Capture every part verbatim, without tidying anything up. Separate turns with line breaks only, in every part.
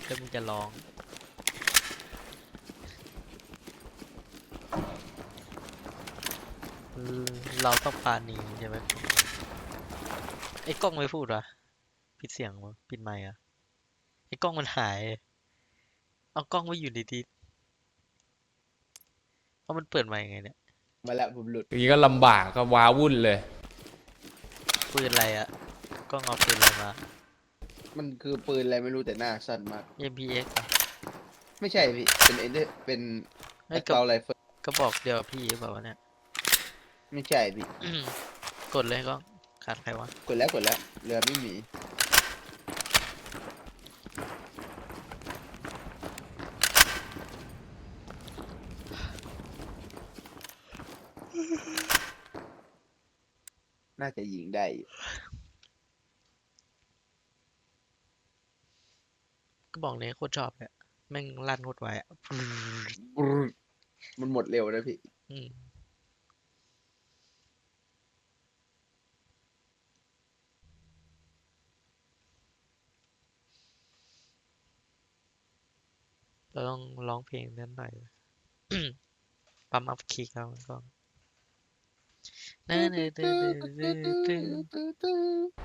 ถ้ามึงจะลองเราต้องปาณีใช่ไหมไอ้กล้องไม่พูดวะปิดเสียงวะปิดไมค์อะไอ้กล้องมันหายเอากล้องไว้อยู่ดีๆเพราะมันเปิดไมค์ไงเนี่ย
มาแล้วผมหลุด
อย่างนี้ก็ลำบากก็ว้าวุ่นเลย
ปืนอะไรอะกล้องเอาปืนอะไรมา
มันคือปืนอะไรไม่รู้แต่หน้าสั้นมาก
เอ็ม พี เอ็กซ์ อะ
ไม่ใช่พี่เป็นเอ็นเดเป็น
ไอ้
แอค
กระ
เตาไรเฟิล
กระบอกเดียวกับพี่หรือเปล่าวะเนี่ย
ไม่ใช่พี่
อืมกดเลยกล้องขาดใครวะ
กดแล้วกดแล้วเรือไม่มีน่าจะยิงได้อยู่
ก็บอกนี้โคตรชอบเลยแม่งลั่นโคตรไวอะ
บรึ๊ดมันหมดเร็วนะพี่
อืมเราต้องร้องเพลงนั้นหน่อย ปั๊มอัพคีย์เขาก็นั่นเด้อเด้อเด้อเด้อเด้อ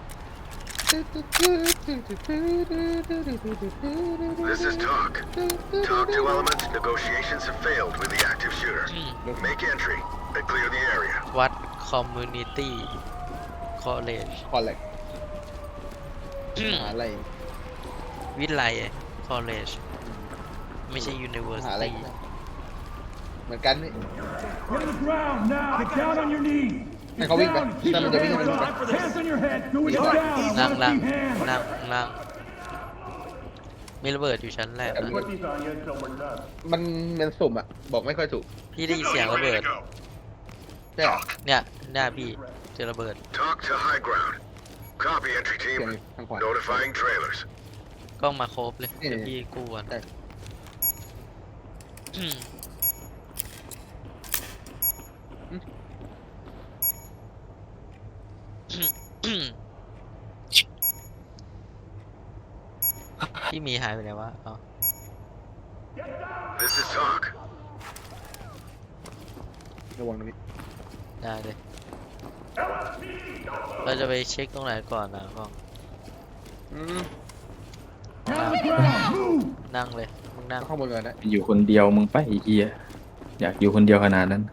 This is Talk. Talk to elements. Negotiations have failed with the active shooter. Make entry and clear the area.
วัดคอมมูนิตี้คอลเลจ
คอลเลกมหาลัย
วิทยาลัยคอลเลจไม่ใช่ยูนิเวอร์
ม
ซิ
หาลัย
ตี้
เหมือนกันนี่
On the ground now. Get down on your knees.
ให้เขาวิ่งไปถ้ามันจะวิ่งมันไป
Hands on your head. Do it down.
นั่งนั่ง
Lifting hands.
นั่งนั่งมีระเบิดอยู่ชั้นแรกนะ
Put these on you until we're done.
มันมันสุ่มอ่ะบอกไม่ค่อยถูก
พี่ได้ยินเสียงระเบิด
ใช่เหรอ
เนี่ยหน้าพี่เจอระเบิด
Talk to high ground. Copy entry
เสียง
team.
ทางขวา
Notifying trailers.
กล้องมาครบเลย
นี่
เดี๋ยวพี่กู้ก่อน
ได้
อืมพี่หมีหายไปไหนวะอ๋อ
This is Talk.
ระวังนะพี่
ได้เลยเราจะไปเช็คตรงไหนก่อนนะกล้อง
อืม
On the ground. Move.
นั่งเลยมึงนั่ง
ข้างบนก่อนนะ
อยู่คนเดียวมึงไปไอ้เฮียอยากอยู่คนเดียวขนาดนั้น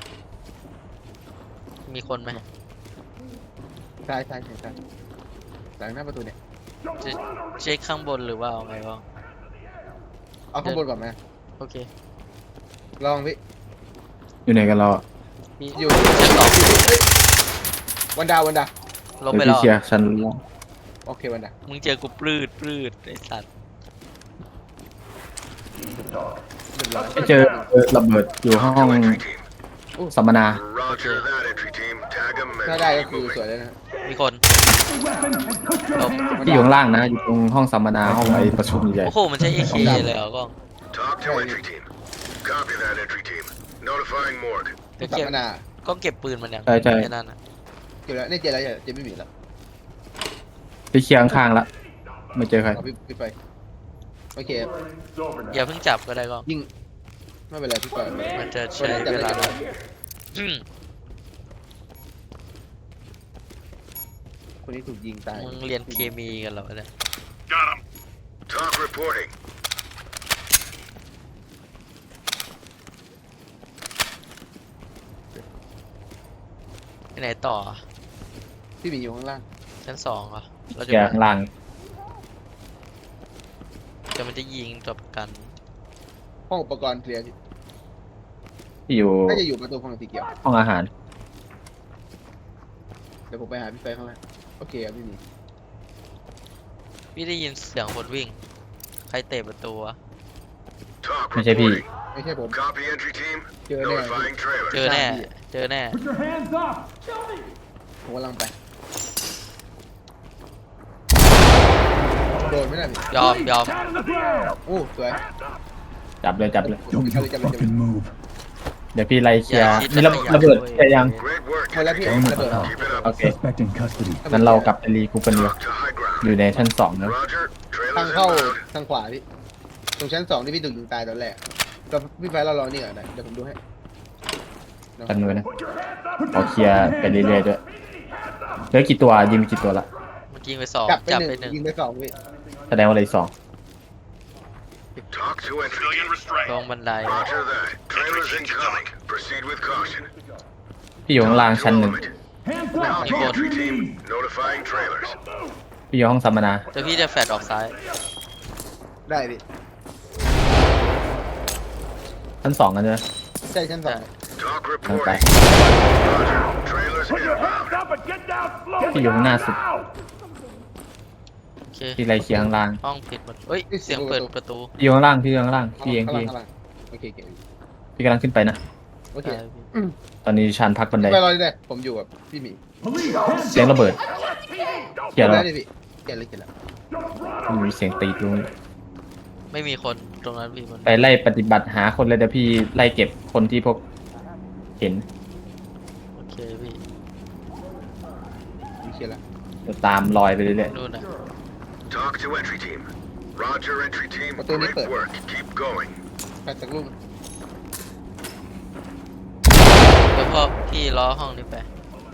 มีคนไหม
ใช่ใช่ใช่ใช่หลังหน้าประตูเนี่ย
จะเช็คข้างบนหรือว่าเอาไงกล้อง
เอาข้างบนก่อนไหม
โอเค
ลองพี่
อยู่ไหนกันเราอะ
พี่
อยู่
ชั้นสอง
เฮ้ยวันดาววันดาว
ลง
เดี๋ยว
ไป
พี่
แล้ว
เคลียร์ชั้นล่าง
โอเควันดาว
มึงเจอกูปลื้ดปลื้ดไอ้สัตว์
เรียบร้อย
ไปเจอเออระเบิดอยู่ห้อง
To entry team.
สัมมนา
Roger that entry team. Tag them
ถ้า
and
ได้ก็
keep
คือสวย
moving.
เลยนะ
มีคน
The weapon and put your
Oh.
hands.
ที่อยู่ข้างล่างนะอยู่ตรงห้องสัมมนาห้องไอประชุมใหญ่
โอ้โหมันใช่เอเคเลยเหรอกล้อง
Talk to entry team. Copy that entry team. Notifying morgue.
เดี๋ยว
สั
เก็บ
มมนาก
ล้องเก็บปืนมันยัง
ใช่ใช่
ไอ้นั่นน่ะ
เก็บแล้วนี่เจอแล้วเจอไม่มีแล้ว
ไปเคลียร์ข้างๆละไม่เจอใคร
เอาพี่พี่ไปโอเค
It's over now.
อย่าเพิ่งจับก็ได้กล้อง
ยิงไม่เป็นไรพี่ไป
มันจะใช้เวลาหน่อยอืม
คนนี้ถูกยิงตาย
มึงเรียนเคมีกันเหรอเนี่ย
Got him. Talk reporting.
ไปไหนต่อ
พี่หมีอยู่ข้างล่าง
ชั้นสองเหรอเรา
เค
จะ
ลียร์ข้างล่าง
จะมันจะยิงจบกัน
ห้องอุปกรณ์เคลียร์
ที่อยู่
น่าจะอยู่ประตูฝั่งสีเขียว
ห้องอาหาร
เดี๋ยวผมไปหาพี่ไฟข้างล่างโอเคครับพี่หมี
พี่ได้ยินเสียงคนวิ่ง ใครเตะประตูวะ
Talk
ไม่ใช่พี่
reporting.
ไม่ใช่ผม
Copy entry team.
Chưa nè.
Notifying
เจอ
trailers.
แน่ เจอแน่
Put your hands up. Tell me.
ผมกำลังไปโดนไม่ได้พี่
ยอมยอม
Down on the ground.
โอ้สวย
จับเลยจับเลย
จับเลยจับเลยจับเลยจับเลย
move.
เดี๋ยวพี่ไล่เคลียร์
อย่าคิด
มีระ
จะขยับ
ระเบิด
ด้วย
เคลียร์ยัง
Great work.
หมดแล้วพี่
entry team.
ระเบิด
Keep it up.
โอเค
Suspect in custody.
งั้นเรากลับไปรีกรุ๊ปกันเดียว
Talk to high ground.
อยู่ในชั้นสองนะ
Roger. Trailers
ทาง
Trailers
เข้า
inbound.
ทางขวาพี่ตรงชั้นสองที่พี่ตุ่นยิงตายตอนแรกก็พี่ไฟเรารอนี่ก่อนนะเดี๋ยวผมดูให้
กันด้วยนะ
Put your hands up.
ขอเคลียร์ไปเรื่อยๆด้วยเหลือกี่ตัวยิงไปกี่ตัวละ
มันยิงไปสอง
จับไป
จับ
หนึ่
ไป
ง
หนึ่ง
ยิงไปสองพี่
แสดงว่าเหลยสอง
Talk to entry team.
ลงบันได
Roger that. Trailers incoming. Proceed with caution.
พี่อยู่ข้างล่าง
Talk to
ชั้นหนึ่ง
element.
Hands up.
Acknowledge
Drop
entry
your
team.
knees.
Notifying trailers.
พี่อยู่ห้องสัมมนา
เดี๋ยวพี่จะแฟดออกซ้าย
ได้พี่
ชั้นสองกันใช่ไหม
ใช่ชั้นสอง
Talk
ลงไป
reporting. Roger. Trailers
Put your hands
inbound.
up and get down slowly.
พี่อยู่ข้างหน้าสุด
Now.
โอเค
พี่ไรเคลียร์ข้างล่าง
ห้องปิดหมดเฮ้ยเสียงเปิดประตู
พี่อยู่ข้างล่างพี่อยู่ข้างล่างพี่เอง
ข้าง
พี่
ล่า
เอง ง
ข้างล่างโอเคโอเค
พี่กำลังขึ้นไปนะ
โอเค
ได้พี่
ตอนนี้ชันพักบันได
ไปรอเลยผมอยู่กับพี่หมี
Police, hands
เสียงระเบิด
up.
เคลียร์แล้ว
ได้เลยพี่เขียนเลยเขียนแล้ว
Just run
มีเสียงตีตรงนี้
ไม่มีคนตรงนั้นพี่มัน
ไปไล่ปฏิบัติหาคนเลยเดี๋ยวพี่ไล่เก็บคนที่พวกเห็น
โอเคพี่
มีเขียนแล้ว
เดี๋ยวตามรอยไปเรื่อย
นู่นน่ะ
Talk to entry team. Roger, entry team. Great work. Keep going.
แปดสักลูก
เดี๋ยวพอพี่ล้อห้องนี้ไป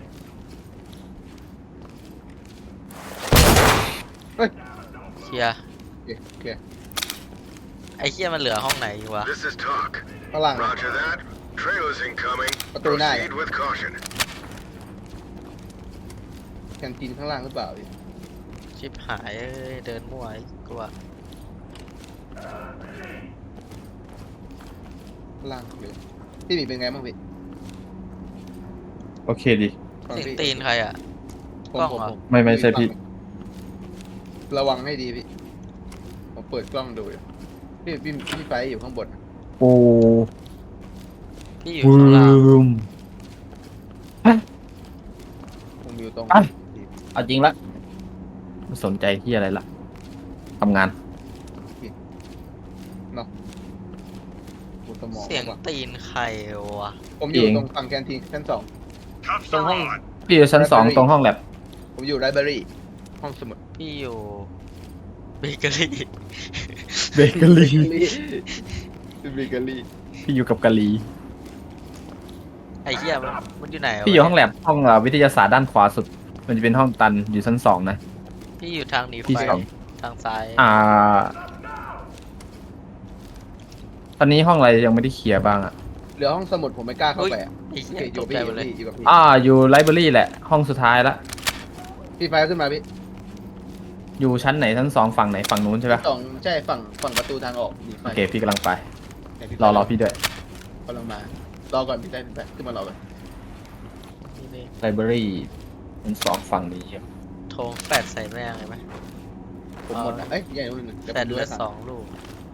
เฮ้ย
เคลียร์
โอเคโอเค
ไอ้เคียมันเหลือห้องไหนอยู่วะ
This is talk.
ข้างล่างนะ
Roger that. Trailers incoming.
Patay na eh.
Proceed with caution.
แคนทีนข้างล่างหรือเปล่าพี่
ชิบหายเอ้ยเดินมั่วไอ้กลัว
ข้างล่างเลยพี่หมีเป็นไงบ้างพี่
ๆโอเคดี
ฝั่ง
เสียง
พี่
ตีนใครอ่ะ
ผม
กล้อง
ผม
เหรอ
ผม
ไม่ไม่ใช่พี่
ระวังให้ดีพี่ผมเปิดกล้องดูอยู่พี่พี่พี่ไฟอยู่ข้างบน
โอ้
พี่อยู่ข้างล่าง
บูม
ผมอยู่ตรง
อ่ะ เอาจริงละไม่สนใจที่อะไรละทำงาน
เนาะกูสมอง
เสียง
ว่ะ
ตีนใครวะ
ผมอยู่
เอง
ตรงฝั่งแคนทีนชั้นสอง
Cuffs
Don't
are
hold.
on.
พี่อยู่ชั้นสองตรงห้องแลบ
ผมอยู่ไลบรารีห้องสมุด
พี่อยู่เบเกอรี่
เบเกอรี่
เบเกอรี่
พี่อยู่กับกะลี
ไอ้เหี้ยมันมันอยู่ไหนวะ
พี่อยู่ห้องแลบห้องเอ่อวิทยาศาสตร์ด้านขวาสุด มันจะเป็นห้องตันอยู่ชั้นสองนะ
พี่อยู่ทางหนี
พี่
ไฟ
สอง
ทางซ้าย
อ่า ตอนนี้ห้องอะไรยังไม่ได้เคลียร์บ้างอ่ะ
เหลือห้องสมุดผมไม่กล้าเข้าไปอะ
ไอ้
โอ
เหี้ย
เคอ
ต
ยู่
ก
พี่
ใจ
อ
หม
ยู่
ดเลย
พี่อยู่กับพี่
อ่า อยู่ไลบรารีแหละ ห้องสุดท้ายละ
พี่ไฟขึ้นมาพี่
อยู่ชั้นไหนชั้นสองฝั่งไหนฝั่งนู้นใช่ปะ
สองใช่ฝั่งฝั่งประตูทางออกมีไฟ
โอเค พี่กำลังไป
ไหนพี่ไฟ
รอรอพี่ด้วย
กำลังมารอก่อนพี่ไฟพี่ไฟขึ้นมารอก่อน
นี่นี่
ไลบรารีชั้นสองฝั่งนี้ครับ
โทงแปดใส่แม่งเลยไหม
ผมหมดนะเอ้ยยังอีกนิดนึงเดี๋ยว
แป
ผ
ด
มดู
เลือ
ให้
ด
ทัน
สองลูก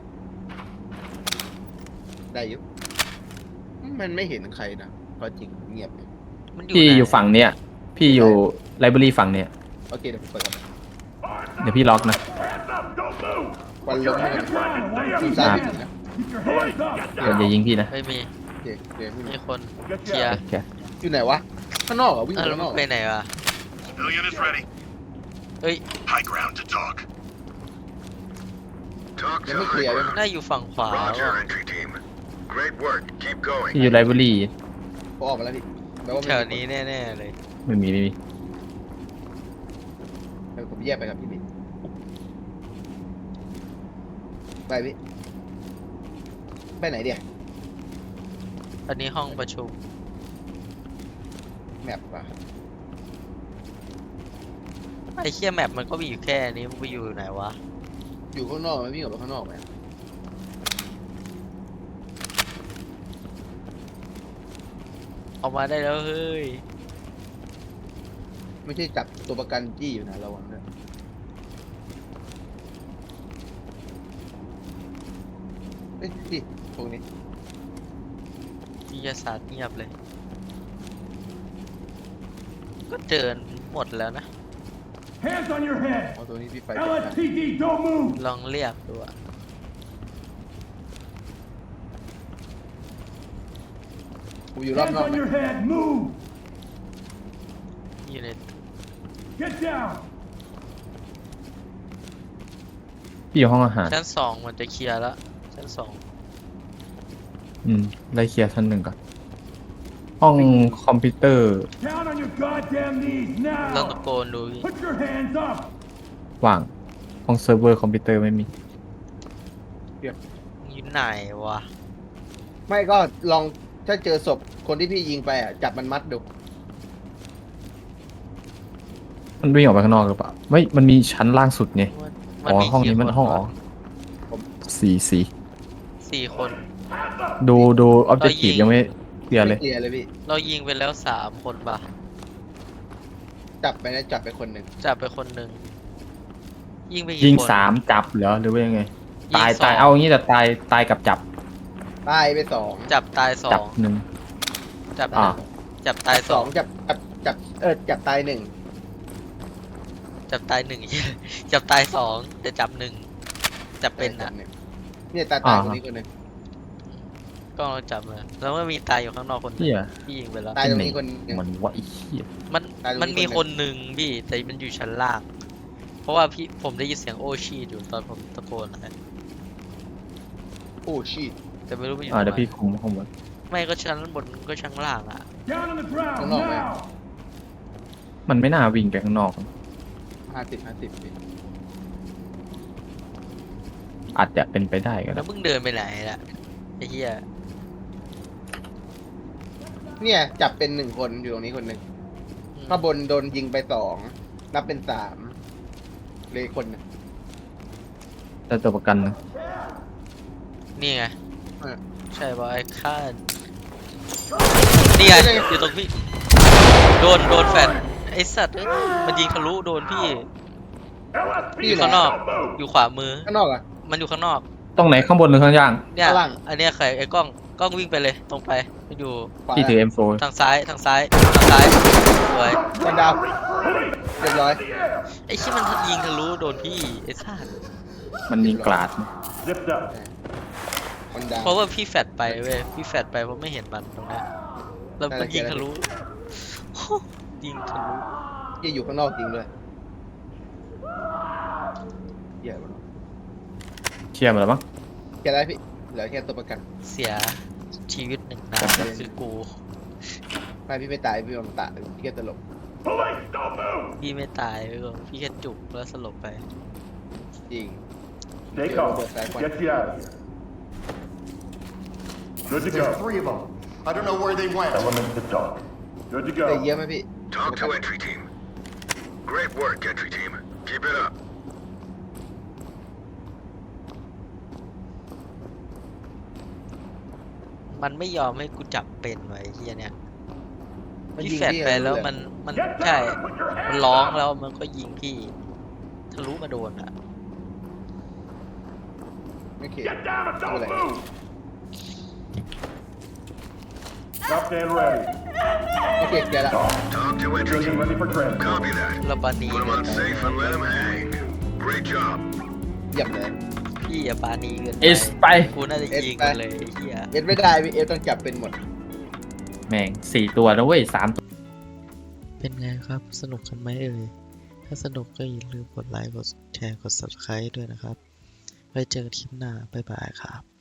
ได้อยู่มันไม่เห็นใครนะเพราะจริงเงียบเลย
มันอยู่
พี่
ไหน
อยู่ฝั่งเนี้ย พี่อยู่ไลบรารีฝั่งเนี้ย
โอเคเดี๋ยวผมเปิดก่อน
เดี๋ยวพี่ล็อกนะ
Hands up. Don't move.
วันลมให้กัน
Stay
ดู
up.
ซ้ายพี่หมีนะ
Keep your hands up.
อย่าอย่ายิงพี่นะ
ไม่มี
โอเคโอเคพี่หมี
มีคนเคลียร์
โอเค
อยู่ไหนวะข้างนอกเหรอวิ่ง
เอ
ไป
อแล้ว
ข้างน
มึ
อง ก
ไปไหนวะ
Civilian is ready.
เอ้ย
High ground to talk. Talk
ยัง
to
ไม่เคลีย
high
ร์ด้วย
ground.
น่าอยู่ฝั่งขวา
Roger,
ว่ะ
entry team. Great work. Keep going.
พี่อยู่ไลบรารี
ผมออกมาแล้วพี่แปลว่า
แถ
ไม่
ว
มี
นี้แน่ๆเลย
ไม่มีไม่มี
เดี๋ยวผมแยกไปกับพี่หมีไปพี่ไปไหนเดี๋ยว
อันนี้ห้องประชุม
แมปป่ะ
ไอ้เชี่ยแมปมันก็มีอยู่แค่นี้มึงไปอยู่ไหนวะ
อยู่ข้างนอกไหมวิ่งออกไปข้างนอกไหม
ออกมาได้แล้วเฮ้ย
ไม่ใช่จับตัวประกันจี้อยู่นะระวังด้วยเอ้ยพี่ตรงนี้
วิทยาศาสตร์เงียบเลย ก็เดินหมดแล้วนะ
Hands on your head.
อ๋อตัวนี้พี่ไฟจับ
L
ได้
S P D, don't move.
ลองเรียกดูอะ
ผมอยู่รอบ
Hands
นอก
on
นะ
your head. Move.
อยู่ใน
Get down.
พี่อยู่ห้องอาหาร
ชั้นสองมันจะเคลียร์แล้วชั้นสอง
อืมไล่เคลียร์ชั้นหนึ่งก่อนห้องคอมพิวเตอร์
Down on your goddamn knees
ลอง
now.
ตะโกนดูพี่
Put your hands up.
ว่างห้องเซิร์ฟเวอร์คอมพิวเตอร์ไม่มี
อยู่ไหนวะ
ไม่ก็ลองถ้าเจอศพคนที่พี่ยิงไปอ่ะจับมันมัดดู
มันวิ่งออกไปข้างนอกหรือเปล่าไม่มันมีชั้นล่างสุดไง
มั
อ๋อ
มี
ห้องนี้
กี่
มัน
ค
ห้องอ๋อสี่สี่
สี่คน
ดูดูออบเจกตีฟ
เรายิง
ยังไม่เคลียร์เล
ไม่
ย
เคลียร์เลยพี่
เรายิงไปแล้วสามคนปะ
จับไปนะจับไปคนหนึ่ง
จับไปคนหนึ่งยิงไปกี่
ยิง
คน
สามจับเหรอหรือว่ายังไง
ยิง
ตาย
สอง
ตายเอาอย่างนี้แต่ตายตายกับจับ
ตายไปสอง
จับตายสอ
จับ
ง
หนึ่ง
จับ
อ่า
จับตายส
ส
อ
อง งจับจับจับเออจับตายหนึ่ง
จับตายหนึ่ง จับตายสองแต่จับหนึ่งจับเป็นอ่ะ
จับหงเนี่ยตายตายคนนี้คนหนึ่ง
ก็เราจับเลยแล้วก็มีตายอยู่ข้างนอกคนหนึง
เฮีย
พี่ยิงไปแล้ว
ตายตรงนี้คนหนึ่ง
มันว่าไอ้เหี้ย
มัน
ตายตรงนี้
มันมี
ค
คน นหนึ่งพี่แต่มันอยู่ชั้นล่าง เพราะว่าพี่ผมได้ยินเสียงโอชีอยู่ตอนผมตะโกนนะ
โอ้ชีต
แต่ไม่รู้มันอยู่
อ่า
ตร
เดี๋ยว
งไห
พี่
น
คุมข้างบน
ไม่ก็ชั้นบนก็ชั้นล่างอ่ะ
Down on the ground
Come on, man.
now.
มันไม่น่าวิ่งไปข้างนอก
ห้าสิบห้าสิบ
อาจจะเป็นไปได้ก็
แล้
ได้
วมึงเดินไปไหนล่ะไอ้เหี้ย
เนี่ยจับเป็นหนึ่งคนอยู่ตรงนี้คนหนึ่ง
อืม
ข้างบนโดนยิงไปสองนับเป็นสามเลยคนหนึ่ง
แต่ตัวประกันนะ
นี่ไง
เออ
ใช่ป่ะไอ้ข้านี่ไงอยู่ตรงพี่ โดนโดนแฟนไอ้สัตว์เอ้ยมันยิงทะลุโดนพี่
L S P
อยู่ข้างนอก
don't move.
อยู่ขวามือ
ข้างนอกอ่ะ
มันอยู่ข้างนอก
ตรงไหนข้างบนหรือข้างล่าง
เนี่ย
ข้างล่าง
อันเนี้ยใครไอ้กล้องกล้องวิ่งไปเลยตรงไปมันอยู่
ขวา
ที่ถือ เอ็ม โฟร์
ทางซ้ายทางซ้ายทางซ้ายสวย
คนดาวเรียบร้อย
ไอ้ที่มันยิงทะลุโดนพี่ไอ้สัตว์
มันมีกราด
Zipped up.
คนดาว
เพราะว่าพี่แฟดไปเว้ยพี่แฟดไปเพราะไม่เห็นมันตรงเนี้ยแล้วมันยิงทะลุ ยิงทะลุ
ที่อยู่ข้างนอกจริงด้วยเหี้ยอะ
เชื่อมแล้วมั้ง
แค่ได้พี่เหลือแค่ตัวประกัน
เสียชีวิตหนึ่งนามคือกู
ไม่พี่ไม่ตายพี่ยอมตายพี่แค่ตลก
Police, don't move.
พี่ไม่ตายไปก่อนพี่แค่จุกแล้วสลบไป
จริง
Stay
Yeah,
calm.
we'll go back one.
Get you out of here. Good to
There's
go.
three of them. I don't know where they went.
Elements to talk. Good to
ได้
go.
เยอะไหมพี่
Talk to entry team. Great work, entry team. Keep it up.
มันไม่ยอมให้กูจับเป็นไว้เฮียเนี่ย
มัน
พี่
ยิง
แฟด
พี่
ไป
อะ
แล้ว
รู้เรื่อง
มันมัน
Get
ใช่
down and put your
มัน
hands
ร้อง
down.
แล้วมันก็ยิงพี่ทะลุมาโดนอ่ะ
โอเค
Get down and don't
Relax.
move. Drop and ready.
โอเคเดี๋ยวละ
Talk.
Talk to entry
Good and
team.
ready for transfer.
Copy that.
ระบานี
Put them
เกิน
on safe and let them hang. Great job.
เยี่ยมเลย
พี่อย่าปานีเกิน
เอสไป
กูน่าจะ
เอส
ยิง
ไป
กันเลยไอ้เฮีย
เอสไม่ได้พี่เอสต้องจับเป็นหมด
แม่งสี่ตัวนะเว้ยสามตัว
เป็นไงครับสนุกกันไหมเอ่ยถ้าสนุกก็อย่าลืมกดไลค์กดแชร์กด ซับสไครบ์ ด้วยนะครับไว้เจอกันคลิปหน้าบ๊ายบายครับ